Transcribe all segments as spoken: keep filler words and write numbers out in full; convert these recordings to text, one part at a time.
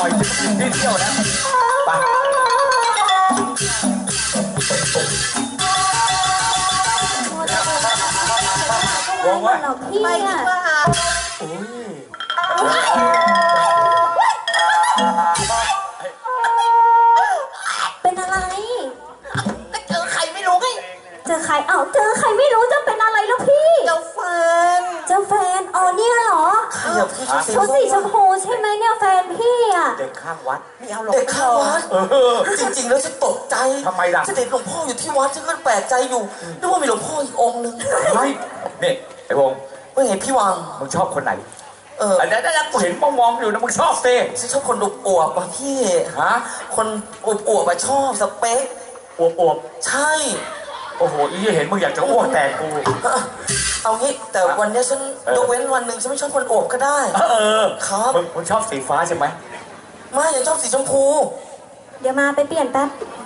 น่อยที่เที่ยวนะไปวงไว้ไปดีกว่าโอ้ยเป็นอะไรก็เจอใครไม่รู้ไงเจอใครเอ้าเจอใครไม่รู้จะเป็นอะไรแล้วพี่เจ้าแฟนเจ้าแฟนอ๋อเนี่ยเหรอเขาสีชมพูใช่ไหมเนี่ยแฟนพี่อ่ะเด็กข้างวัดไม่เอาหรอกเด็กข้างวัดจริงๆแล้วฉันตกใจทำไมล่ะฉันเห็นหลวงพ่ออยู่ที่วัดฉันก็แปลกใจอยู่นึกว่ามีหลวงพ่ออีกองค์นึงไม่เนี่ยไอ้วงว่าไงพี่วังมึงชอบคนไหนเอออันนั้นแล้วกูเห็นมองๆอยู่นะมึงชอบเต้ฉันชอบคนอวบๆป่ะพี่ฮะคนอวบๆป่ะชอบสเปคอวบๆใช่โอ้โหอีเห็นมึงอยากจะอ้วกแตกกูเอางี้แต่วันนี้ฉันยกเว้นวันหนึ่งฉันไม่ชอบคนอวบก็ได้เออครับมึงมึงชอบสีฟ้าใช่ไหมไม่ยังชอบสีชมพูเดี๋ยวมาไปเปลี่ยนแป๊บ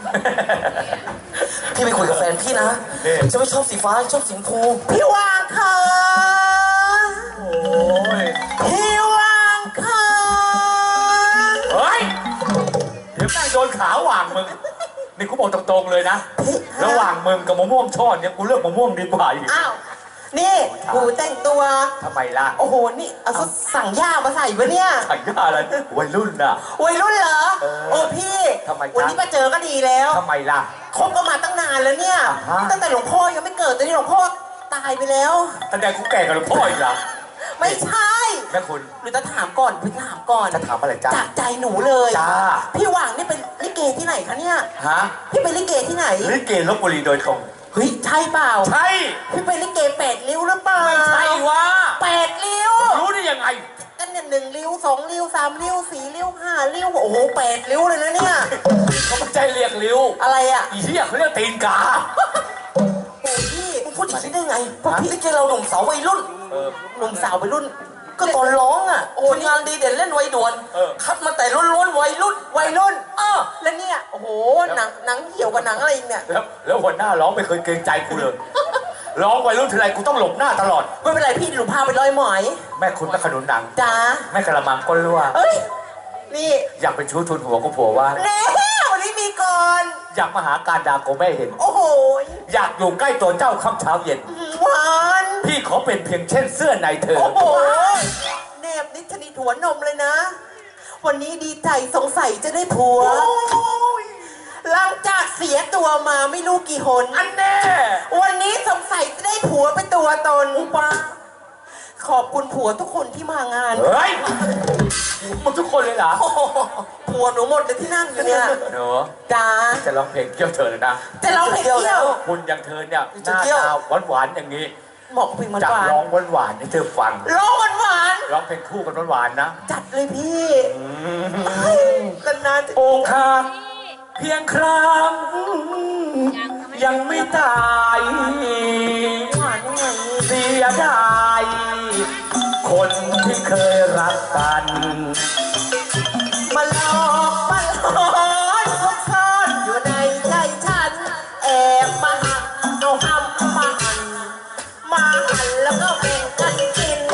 พี่ไปคุยกับแฟนพี่นะฉันไม่ชอบสีฟ้าชอบสีชมพูพี่วางค่ะโอ้ยพี่วางค่ะเฮ้ยเดี๋ยวแม่งโดนขาหว่างมึงนี่กูบอกตรงๆเลยนะระหว่างมึงกับมะม่วงช่อนเนี่ยกูเลือกมะม่วงดีกว่าอีกอ้าวนี่กูแต่งตัวทำไมล่ะโอ้โหนี่เอาสั่งย่ามาใส่ปะเนี่ยสั่งย่าอะไรวัยรุ่นน่ะวัยรุ่นเหรอโอ้พี่ทำไมวันนี้มาเจอก็ดีแล้วทำไมล่ะคบกันมาตั้งนานแล้วเนี่ยตั้งแต่หลวงพ่อยังไม่เกิดตอนนี้หลวงพ่อตายไปแล้วตั้งแต่กูแก่กับหลวงพ่ออีกเหรอไม่ใช่แม่คุณหรือจะถามก่อนพี่ถามก่อนจะถามอะไรจ้าจากใจหนูเลยจ้าพี่หว่างนี่เป็นลิเกที่ไหนคะเนี่ยฮะพี่เป็นลิเกที่ไหนลิเกลพบุรีโดยตรงเฮ้ยใช่เปล่าใช่พี่เป็นลิเกแปดริ้วหรือเปล่าไม่ใช่วะแปดริ้วรู้ได้ยังไงกันเนี่ยหนึ่งริ้วสองริ้วสามริ้วสี่ริ้วห้าริ้วโอ้โหแปดริ้วเลยนะเนี่ยเขาไม่ใช่เรียกริ้วอะไรอ่ะอีเหี้ยเขาเรียกตีนกาโอ้พี่มึงพูดอย่างนี้ได้ไงพวกพี่ลิเกเราหนุ่มสาววัยรุ่นหนุ่มสาววัยรุ่นก็ตอนร้องอ่ะโอ้งานดีเด่นเล่นวัยด่วนคัดมาแต่ล้วนๆวัยรุ่นวัยรุ่นเออแล้วเนี่ยโอ้โหหนังหนังเหี่ยวกับหนังอะไรเนี่ยแล้วแล้วหัวหน้าร้องไม่เคยเกรงใจกูเลยร้องวัยรุ่นทีไรกูต้องหลบหน้าตลอดไม่เป็นไรพี่หนูพาไปร้อยหมอยแม่คุณแม่ขนุนหนังจ้าแม่กระมังก้นรั่วเอ้ยนี่อยากเป็นชู้ทุนหัวกูผัวว่าเน่วันนี้มีก่อนอยากมาหาการดาโกแม่เห็นโอ้โหอยากอยู่ใกล้ตัวเจ้าค่ำเช้าเย็นหวานพี่ขอเป็นเพียงเช่นเสื้อในเธอโอ้โหเนบนิชนิดหัวนมเลยนะวันนี้ดีใจสงสัยจะได้ผัวหลังจากเสียตัวมาไม่รู้กี่หนอันแน่วันนี้สงสัยจะได้ผัวเป็นตัวตนอุปาขอบคุณผัวทุกคนที่มางานเฮ้ยมึงทุกคนเลยเหรอผัวหนูหมดเลยที่นั่งอยู่เนี่ยหนูจ้าจะร้องเพลงเกี่ยวเธอเลยนะจะร้องเพลงเกี่ยวคุณอย่างเธอเนี่ยหน้าตาหวานๆอย่างนี้เหมาะกับเพลงหวานจัดร้องหวานๆให้เธอฟังร้องหวานร้องเพลงคู่กันหวานๆนะจัดเลยพี่นานๆอกหักเพียงครั้งยังไม่ตายหวานยังไงเสียดายคนที่เคยรักกันมาหลอกมาหลอกซุกซ่อนอยู่ในใจฉันแอบมาหักเอาห้ำมาหั่นมาหั่นแล้วก็แบ่งกันกิน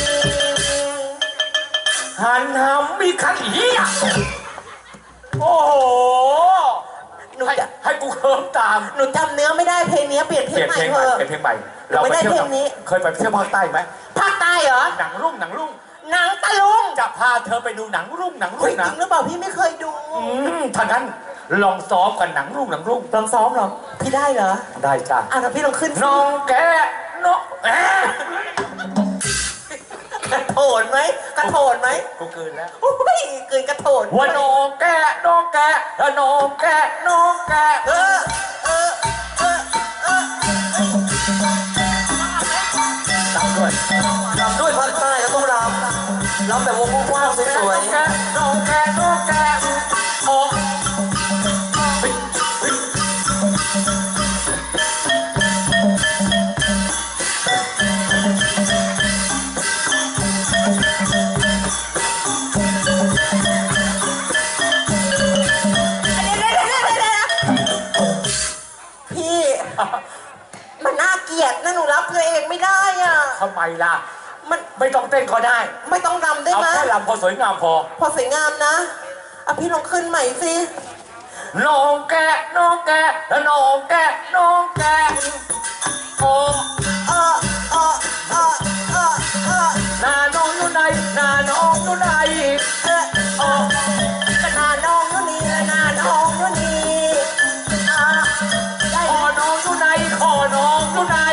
หันหำมีขันเหี้ยโอ้โหหนูจะให้กูเคิร์มตามหนูจำเนื้อไม่ได้เพลงนี้เปลี่ยนเพลงใหม่เถอะเปลี่ยนเพลงใหม่เราไม่ได้เพลงนี้เคยไปเที่ยวภาคใต้ไหมภาคใต้เหรอหนังรุ่งหนังรุ่งหนังตะลุงจะพาเธอไปดูหนังรุ่งหนังรุ่งนะจริงหรือเปล่าพี่ไม่เคยดูถ้างั้นลองซ้อมกันหนังรุ่งหนังรุ่งลองซ้อมหรอพี่ได้เหรอได้จ้ะอ่ะแล้วพี่ลองขึ้นน้องแกน้องแอะกระโถนไหมกระโถนไหมกูเกินแล้วโอ้ยเกินกระโถนว่าน้องแกน้องแกน้องแกน้องแกเออเออเออเออรำด้วยรำด้วยภาคใต้แล้วต้องรำรำแบบวงกว้างสวยๆน้องแกน้องแกโอ้มันน่าเกลียดนะหนูรับตัวเองไม่ได้อ่ะทำไมล่ะมันไม่ต้องเต้นก็ได้ไม่ต้องรำได้ไหมเอาแค่รำพอสวยงามพอพอสวยงามนะอ่ะพี่ลองขึ้นใหม่สิน้องแกะน้องแกะแล้วน้องแกะน้องแกะโอ้เออเออเออเออเออหน้าน้องอยู่ไหนหน้าน้องอยู่ไหนเออเออก็หน้าน้องอยู่นี่และหน้าน้องอยู่นี่อ่ะได้คอน้องอยู่ไหนคอน้องอยู่ไหน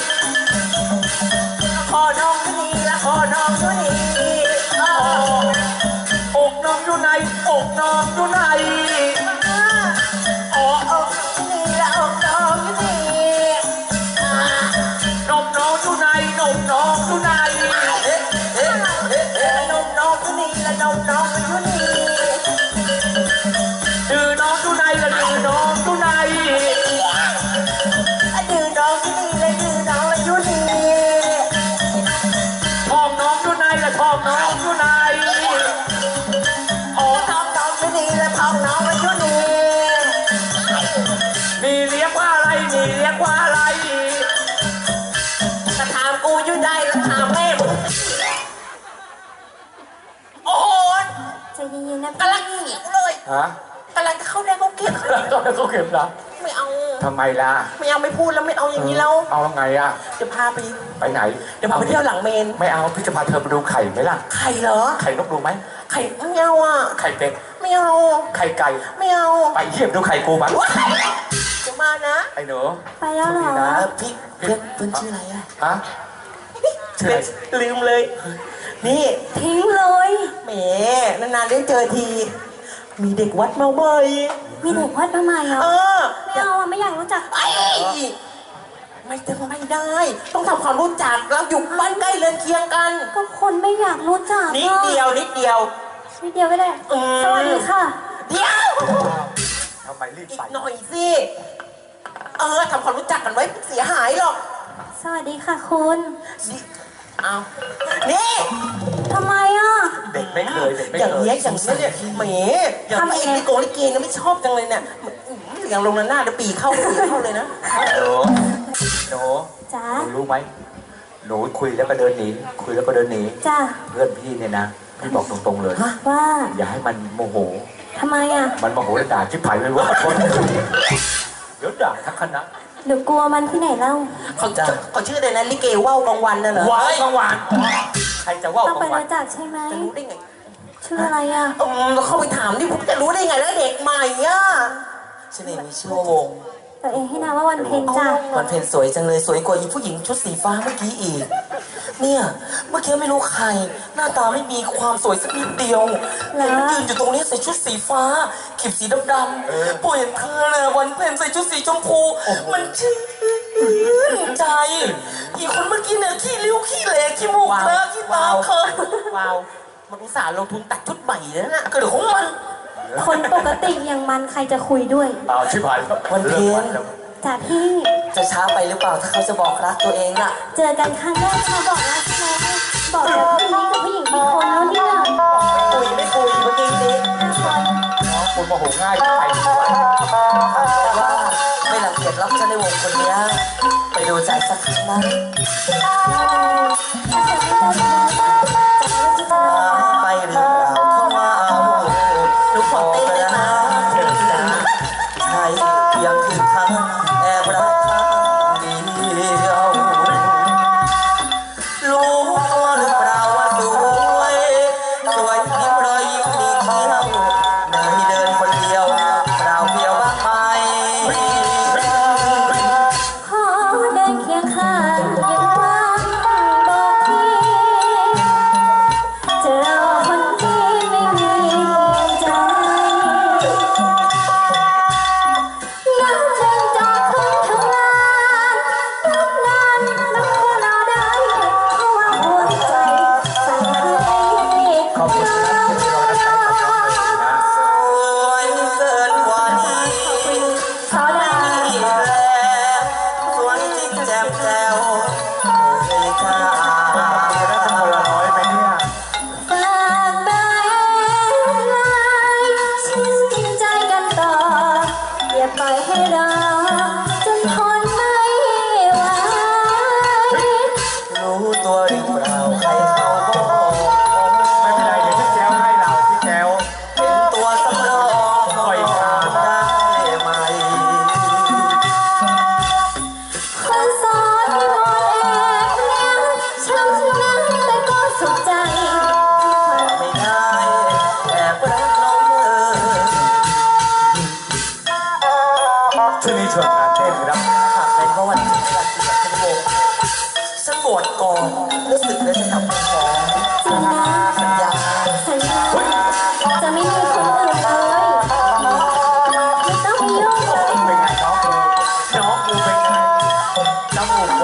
คอน้องอยู่นี่และคอน้องอยู่นี่อ่ะอกน้องอยู่ไหนอกน้องอยู่ไหนอ่ะอ๋ออกอยู่นี่และอกน้องอยู่นี่อ่ะนมน้องอยู่ไหนนมน้องอยู่ไหนเอ๊ะเอ๊ะเอ๊ะเอ๊ะนมน้องอยู่นี่และนมน้องอยู่นี่ดื้อน้องอยู่ไหนละดื้อน้องอยู่ไหนอ่ะดื้อน้องอยู่นี่และดื้อน้องอยู่นี่ทองน้องอยู่ไหนละทองน้องอยู่ไหนอ๋อท้องน้องอยู่นี่และท้องน้องอยู่นี่นี่เรียกว่าอะไรนี่เรียกว่าอะไรจะถามกูอยู่ได้แล้วถามแม่มึงโอ้โหใจเย็นๆนะกำลังหิวเลยฮะกำลังจะเข้าได้เขาเก็บตอนนั้นเขาเก็บนะไม่เอาทำไมล่ะไม่เอาไม่พูดแล้วไม่เอาอย่างนี้แล้วเอาไงอ่ะเดี๋ยวพาไปไปไหนเดี๋ยวพาไปเที่ยวหลังเมนไม่เอาพี่จะพาเธอไปดูไข่ไหมล่ะไข่เหรอไข่นกดูไหมไข่ไม่เอาอ่ะไข่เป็ดไม่เอาไข่ไก่ไม่เอาไปเยี่ยมดูไข่กูมันจะมานะไอ้หนูไปแล้วเหรอนะพี่เพื่อนเพื่อนชื่ออะไรอ่ะฮะชื่ออะไรลืมเลย นี่ทิ้งเลยแหมนานๆได้เจอที มีเด็กวัดมาใหม่มีเด็กวัดมาใหม่เหรเอออไม่เอาอะไม่อยากรู้จักไอ้ไม่ได้ไม่ได้ ต้องทำความรู้จักแล้วอยู่บ้านใกล้เรือนเคียงกันก็คนไม่อยากรู้จักนิดเดียวนิดเดียวนิดเดียวก็ได้อืมสวัสดีค่ะเดียวทำไมรีบอีกไปหน่อยสิ เออทำความรู้จักกันไว้เสียหายหรอกสวัสดีค่ะคุณนี่เอานี่ทำไมอ่ะเด็กไม่เคยเด็กไม่อย่างเคยเงี้ยอย่างเงี้ยเนี่ยแหมอย่างทำไมไอ้ลิโกลิเกเนี่ยไม่ชอบจังเลยเนี่ยอื้อหืออย่างลงหน้าเดี๋ยวปีเข้าปีเข้าเลยนะหนูหนูจ้าหนูรู้ไหมหนูคุยแล้วก็เดินหนีคุยแล้วก็เดินหนีจ้าเพื่อนพี่เนี่ยนะพี่บอกตรงๆเลยว่าอย่าให้มันโมโหทำไมอ่ะมันโมโหแล้วด่าชิบหายไม่รู้ว่าคนเดี๋ยวด่าทั้งคณะหนูกลัวมันที่ไหนเล่าเขาเขาชื่ออะไรนะลิเกว่าวกลางวันน่ะเหรอว้าวกลางวันใครจะว่าวต้องกไปลางวันรู้จักใช่ไหมจะรู้ได้ไงชื่ออะไรอ่ะอืมเราเข้าไปถามดิผมจะรู้ได้ไงแล้วเด็กใหม่อ่ะชื่ออะไรมีชื่อว่าวงตัวเองให้นามว่าวันเพ็ญจ้ะวันเพ็ญสวยจังเลยสวยกว่าอีผู้หญิงชุดสีฟ้าเมื่อกี้อีก เนี่ยเมื่อกี้ไม่รู้ใคร หน้าตาไม่มีความสวยสักนิดเดียวเห็นยืนอยู่ตรงนี้ใส่ชุดสีฟ้าขีบสีดำๆพอเห็นเธอน่ะวันเพ็ญใส่ชุดสีชมพูมันชื่นใจ อีกคนเมื่อกี้เนี่ยขี้ริ้วขี้เหลขี้มูกเลอะขี้ตาเคินว้าวมันอุตส่าห์ลงทุนตัดชุดใหม่แล้วนะก็เดี๋ยวของมันคนปกติอย่างมันใครจะคุยด้วยเอาชิบหายแล้ววันเพ็ญแล้วจ้ะพี่จะช้าไปหรือเปล่าถ้าเขาจะบอกรักตัวเองอะเจอกันครั้งแรกมาบอกรักใช่ไหมบอกแบบนี้กับผู้หญิงกี่คนแล้วเนี่ยคุยไม่คุยเมื่อกี้นี้ห้าคนน้องคุณโมโหง่ายใครดีวะแต่ว่าไม่รังเกียจรับฉันในวงคนเนี้ยไปดูใจสักครั้งนะถ้าเกิดไม่เจอเธอจะไม่รู้จะทำยังไงไปหรือเปล่าเข้ามาเอาหนูขอเต้นได้ไหมใช่เพียงถึงครั้งแอบรักครั้งเดียวรู้ตัวหรือเปล่าว่าสวยสวยยิ้มรอยยิ้มมีเที่ยวในเดินคนเดียวเปล่าเดียวบ้างไหมขอเดินเคียงข้างยังว่างบก่อนรู้สึกแล้วจะกลับมาขอจริงนะสัญญาสัญญาจะไม่มีคนอื่นเลยไม่ต้องมายุ่งเลยเป็นไงน้องกูน้องกูเป็นไงน้ำมูกไว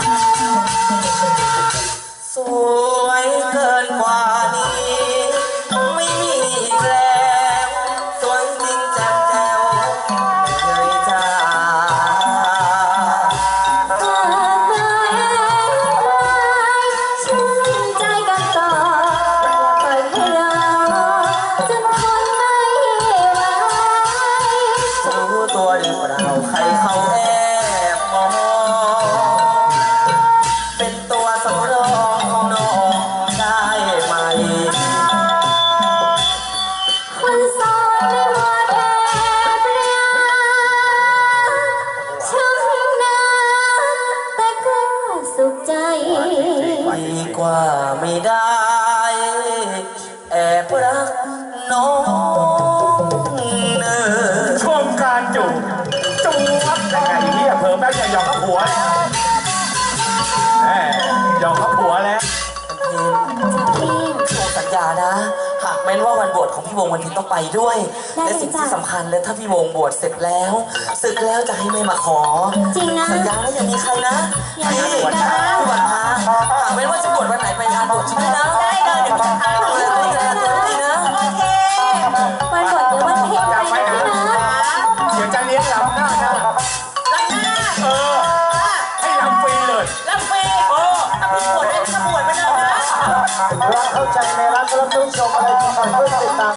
สวยเกินกว่านี้ไม่มีอีกแล้วสวยจริงแจ่มแจ๋วไม่เคยจางหากไม่ชื่นใจกันต่ออย่าปล่อยให้รอจนคนไม่ไหวรู้ตัวหรือเปล่าใครเขาแอบมองเป็นตัวสำรองของน้องได้ไหมคนโสดไม่หมดแอบรักช่างนะแต่ก็สุขใจดีกว่าไม่ได้แอบรักน้องเนอชมการจูบจูบยังไงเฮียเพิ่มแม่งจะหยอกกับผัวแล้วแหมหยอกกับผัวแล้วพี่วงสัญญานะ หากแม้นว่าวันบวชของพี่วงวันนี้ต้องไปด้วยได้และเลยสิ่งจ้ะที่สำคัญเลยถ้าพี่วงบวชเสร็จแล้วศึกแล้วจะให้แม่มาขอจริงนะสัญญาแล้วยังมีใครนะยังมีพี่อีกนะพี่วันพาหากแม้นว่าจะบวชวันไหนไปงานบวชใช่ไหมนะได้เลยเดี๋ยวจะพาดูแลตัวเองตัวดีนะโอเควันบวชเดี๋ยววันเพ็ญจำไปไว้นะนะพี่นะเดี๋ยวจะเลี้ยงลำหน้าหน้ารักหน้าเออ ให้ลำฟรีเลยรักเฟย์เออถ้าพี่บวชได้พี่ก็บวชไปเลยนะรักเข้าใจในรักและต้องชมอะไรที่ทำเพื่อติดตาม